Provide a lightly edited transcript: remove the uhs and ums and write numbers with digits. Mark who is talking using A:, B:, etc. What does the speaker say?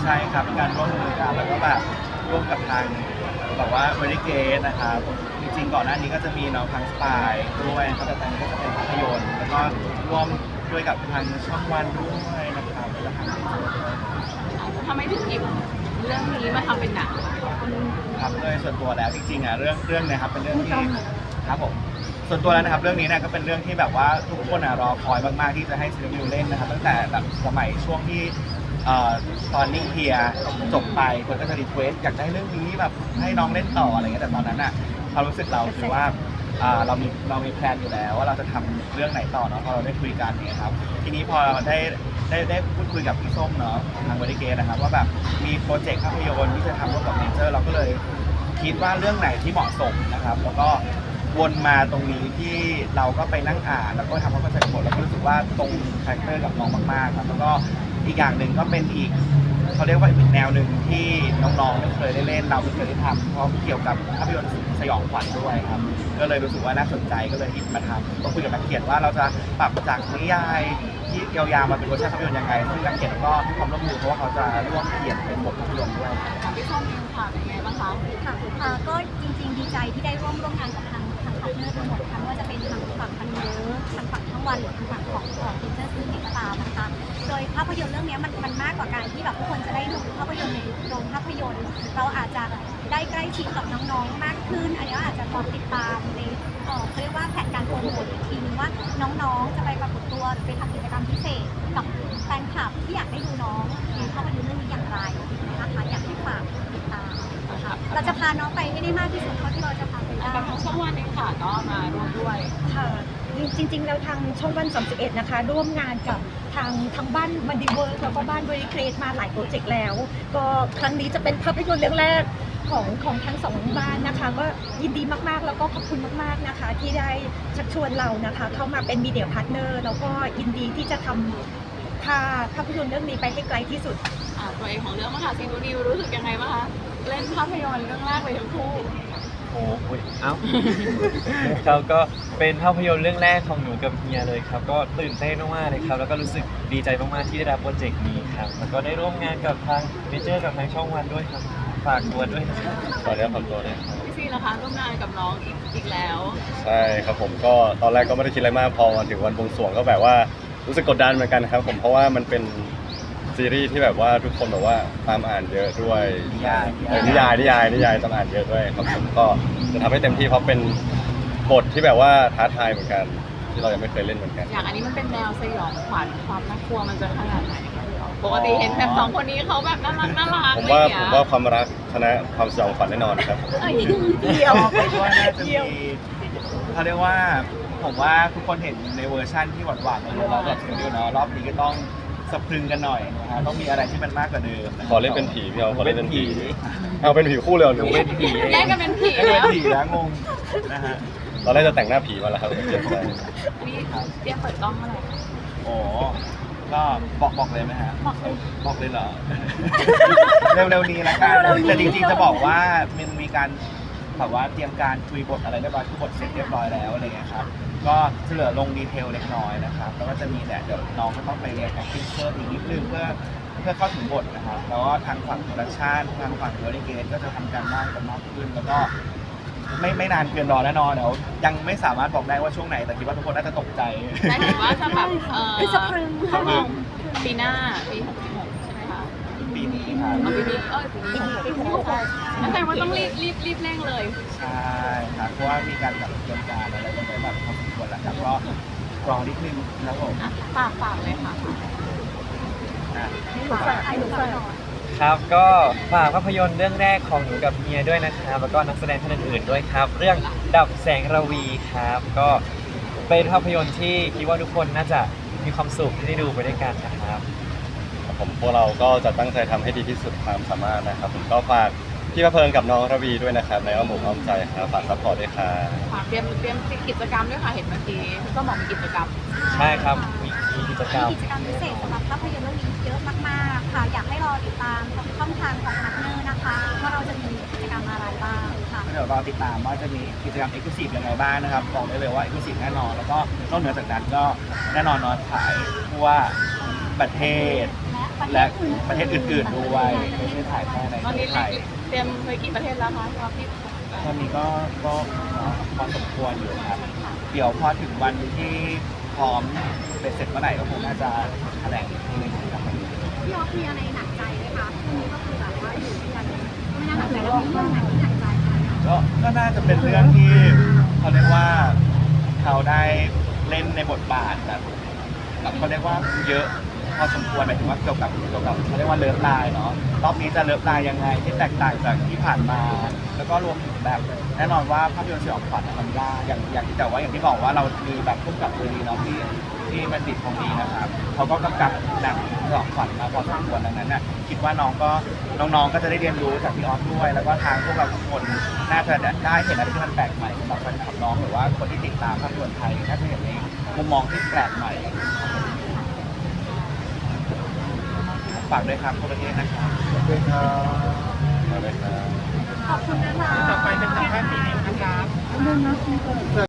A: ช่ครับการร่วมมือกันแล้วก็แบบร่วมกับทางแบบว่าบริเกตนะครับจริงๆก่อนหน้านี้ก็จะมีน้องทางสปายด้วยเขาแต่ตอนนี้ก็จะเป็นภาพยนตร์แล้วก็ร่วมด้วยกับทางช่องวันด้วยนะครับแล้วก็ทาง
B: ทำไมถึงหยิบเรื่องนี้มาทำเป็นหนัง
A: ครับโดยส่วนตัวแล้วจริงๆเรื่องเนะครับเป็นเรื่องที่ครับผมส่วนตัวแล้วนะครับเรื่องนี้เนี่ยก็เป็นเรื่องที่แบบว่าทุกคนรอคอยมากๆที่จะให้ซีรีส์เล่นนะครับตั้งแต่แบบสมัยช่วงที่ตอนนิ่งเฮียจบไปคนก็จะรีเควสอยากได้เรื่องนี้แบบให้น้องเล่นต่ออะไรเงี้ยแต่ตอนนั้นความรู้สึกเราคือว่าเรามีแพลนอยู่แล้วว่าเราจะทำเรื่องไหนต่อเนาะพอเราได้คุยกันเนี่ยครับทีนี้พอได้พูดคุยกับพี่ส้มเนาะทางบริเกตนะครับว่าแบบมีโปรเจกต์ภาพยนตร์ที่จะทำร่วมกับเนเจอร์เราก็เลยคิดว่าเรื่องไหนที่เหมาะสมนะครับแล้วก็วนมาตรงนี้ที่เราก็ไปนั่งอ่านแล้วก็ทำความเข้าใจบทแล้วก็รู้สึกว่าตรงคาแรคเตอร์กับน้องมากๆครับแล้วก็อีกอย่างหนึ่งก็เป็นอีกเขาเรียกว่าอีกแนวหนึ่งที่น้องๆไม่เคยได้เล่นเราไม่เคยได้ทำเพราะเกี่ยวกับภาพยนตร์สยองขวัญด้วยครับก็เลยรู้สึกว่าน่าสนใจก็เลยหยิบมาทำต้องคุยกับนักเขียนว่าเราจะปรับจากนิยายที่ยาวๆมาเป็นเวอร์ชันภาพยนตร์ยังไงซึ่งนักเขียนก็ให้ความร่วมมือเพราะว่าเขาจะร่วมเขียนเป็นบทภาพยนตร์ด้วย
B: พี่ส้มเองค่ะเป็นไงบ้างคะ
C: ค่ะก็จริงๆดีใจที่ได้ร่วมงานกับทางพาร์ทเนอร์ทั้งหมดทั้งว่าจะเป็นทางฝั่งพันเนอร์ทางฝั่งทั้งวันหรือทางฝั่งของทีเจอร์ซีก็ตามนะคะโดยภาพยนตร์เรื่องนี้มันมากกว่าการที่แบบทุกคนจะได้ดูภาพยนตร์ในโรงภาพยนตร์เราอาจจะได้ใกล้ชิดกับน้องๆมากขึ้นอันนี้อาจจะลองติดตามในเขาเรียกว่าแผนการโปรโมทอีกทีนึงว่าน้องๆจะไปปรากฏตัวหรือไปทำกิจกรรมพิเศษกับแฟนคลับที่อยากได้ดูน้องในภาพยนตร์เรื่องนี้อย่างไรนะคะอยากให้ฝากติดตามเราจะพาน้องไปให้ได้มากที่สุดเท่าที่เราจะพาไปได้
B: กับทางช่องวันเองค่ะก็มาร่วมด้วย
D: ค่ะจริงๆแล้วทางช่องวัน31นะคะร่วมงานกับทางบ้านมันดีเวิร์กแล้วก็บ้านบริเครทมาหลายโปรเจกต์แล้วก็ครั้งนี้จะเป็นภาพยนตร์เรื่องแรกของทั้งสองบ้านนะคะก็ยินดีมากๆแล้วก็ขอบคุณมากๆนะคะที่ได้ชักชวนเรานะคะเข้ามาเป็นมีเดียพาร์ทเนอร์แล้วก็ยินดีที่จะทำพาภาพยนตร์เรื่องนี้ไปให้ไกลที่สุด
B: ตัวเองของเรื่องมหาซีนูนิวรู้สึกยังไงบ้างคะเล่นภาพยนตร์เรื่องแรกเลยทั้งคู่
E: โอ้ยเอ้าครับก็เป็นภาพยนตร์เรื่องแรกของหนูกับเฮียเลยครับก็ตื่นเต้นมากๆเลยครับแล้วก็รู้สึกดีใจมากๆที่ได้รับโปรเจกต์นี้ครับแล้วก็ได้ร่วมงานกับทางเมเจอร์กับทางช่องวันด้วยครับฝากตัวด้วยนะครับ
F: ขอเรียกขอบตัวเลย
B: พี่ซีนะคะร่วมงานกับน้องอีกแล้ว
F: ใช่ครับผมก็ตอนแรกก็ไม่ได้คิดอะไรมากพอมาถึงวันบวงสรวงก็แบบว่ารู้สึกกดดันเหมือนกันครับผมเพราะว่ามันเป็นซีรีส์ที่แบบว่าทุกคนแบบว่าตามอ่านเยอะด้วย
A: นิยาย
F: ตามอ่านเยอะด้วยครับผมก็จะทำให้เต็มที่เพราะเป็นบทที่แบบว่าท้าทายเหมือนกันที่เรายังไม่เคยเล่นเหมือนกัน
B: อย่างอันนี้มันเป็นแนวสยองขวัญความน่ากลัวมันจะขนาดไหนปกติเห็นแบบสองคนนี้เขาแบบน่ารัก
F: ผมว่าความรักชนะความสยองขวัญแน่นอนครับ
D: เดียว
A: ไปว่าน่าจะมีเขาเรียกว่าผมว่าทุกคนเห็นในเวอร์ชั่นที่หวานๆในเราแบบสตูดิโอเนาะรอบนี้ก็ต้องสะพรึงกันหน่อยนะฮะต้องมีอะไรที่มันมากกว่าเดิม
F: ขอเล่นเป็นผีพี่ขอเล่นเป็นผีเอาเป็นผีคู่เลยหนู
A: เป็นผี
B: แยกกันเป็นผี
A: แล้วงงนะฮะ
F: ตอนแรกจะแต่งหน้าผีมาแล้วครับเจ็บใจ
B: นี่เตรียมเปิดกล้องเมื่อไหร่
A: โอ้ก็บอกเลยไหมฮะบอกเลยเหรอเร็วๆนี้แล้วกันแต่จริงๆจะบอกว่ามันมีการแบบว่าเตรียมการคุยบทอะไรเรียบร้อยทุกบทเสร็จเรียบร้อยแล้วอะไรเงี้ยครับก็จะเหลือลงดีเทลเล็กน้อยนะครับแล้วก็จะมีเดี๋ยวน้องก็ต้องไปเรียน acting เพิ่มอีกนิดนึงเพื่อเข้าถึงบทนะครับแล้วก็ทางฝั่งโปรดักชันทางฝั่งบริเกตก็จะทำการบ้านกันมากขึ้นแล้วก็ไม่นานเกินรอแน่นอนเดี๋ยวยังไม่สามารถบอกได้ว่าช่วงไหนแต่คิดว่าทุกคนน่าจะตกใจ
B: ได้เห็นว่าจะแบบ
D: สะพรึง
B: ปีหน้าปี66ใช่ไหมคะ
A: ปีนี้ครับ
B: ปีนี้แสดงว่าต้องรีบเร่งเลย
A: ใช่ครับเพราะว่ามีการแบบเตรียมการอะไรกันไปแบบพอสมควรแล้วครับก็รอนิดนึงนะผม
B: ฝากเลยค่ะ
E: ครับก็ฝากภาพยนตร์เรื่องแรกของหนูกับเฮียด้วยนะครับแล้วก็นักแสดงท่านอื่นๆด้วยครับเรื่องดับแสงระวีครับก็เป็นภาพยนตร์ที่คิดว่าทุกคนน่าจะมีความสุขที่ได้ดูไปด้วยกันนะครับ
F: ผมพวกเราก็จะตั้งใจทำให้ดีที่สุดความสามารถนะครับผมก็ฝากพี่ประเพิงกับน้องระวีด้วยนะครับในอ้อมอกอ้อมใจครับฝากซัพพอร์ตด้วยค่ะ
B: ฝากเตรียมกิจกรรมด้วยค่ะเห็นเมื่อกี้ก็บอกมีกิจกรรม
E: ใช่ครับมีกิจกรรม
C: พิเศษสำหรับภาพยนตร์เรื่องนี้เยอะมากๆค่ะอยากให้รอติดตามช่องทางของพาร์ทเนอร์นะคะว่าเราจะมีกิจกรรมอะไรบ้างค่ะ
A: เดี๋ยวรอติดตามว่าจะมีกิจกรรม Exclusive ยังไงบ้างนะครับบอกได้เลยว่า Exclusive แน่นอนแล้วก็นอกเหนือจากนั้นก็แน่นอนนอนขายทั่วประเทศและประเทศอื่นๆด้วยไม่ใช่ถ่ายแค่ใน
B: ตอนนี้
A: ไทย
B: เตรียมไปกี่ประเทศแล้วคะครับพี่
A: ตอนนี้ก็พอสมควรอยู่ครับ เดี๋ยวพอถึงวันที่พร้อมเป็นเสร็จเมื่อไหร่ก็คงน่าจะแถลงอีกทีหนึงครับ
C: พี่ออฟมีอะไรหนักใจไหมคะพรุ่งนี้ก็คือแบบว่าอยู่ด้วยกันไม่น่าเหนื่อยแล้วมีเรื่องไหนที่หนักใจไหม
A: ก็น่าจะเป็นเรื่องที่เขาเรียกว่าเขาได้เล่นในบทบาทแบบเขาเรียกว่าเยอะพอสมควรหมายถึงว่าเกี่ยวกับเขาเรียกว่าเลิฟไลน์เนาะรอบนี้จะเลิฟไลน์ยังไงที่แตกต่างจากที่ผ่านมา แล้วก็รวมถึงแบบแน่นอนว่าภาพยนตร์สยองขวัญมันยากอย่างที่แต่ว่าอย่างที่บอกว่าเรามีแบบพุ่มกับตัวดีเนาะที่มันติดของดีนะครับเขาก็กำกับหนังสยองขวัญมาพอสมควรดังนั้นน่ะคิดว่าน้องก็จะได้เรียนรู้จากพี่ออฟด้วย แล้วก็ทางพวกเราทุกคนน่าจะได้เห็นอะไรที่มันแปลกใหม่สำหรับแฟนคลับน้องหรือว่าคนที่ติดตามภาพยนตร์ไทยน่าจะเห็นในมุมมองที่แปลกใหม่ฝากด้วยครับทั่วประเทศนะครับ
F: ขอบคุณครับขอบคุณครับ
C: ขอบคุณนะคะ
B: ต่อไปเป็นสัมภาษณ์ปีนี้นะครับ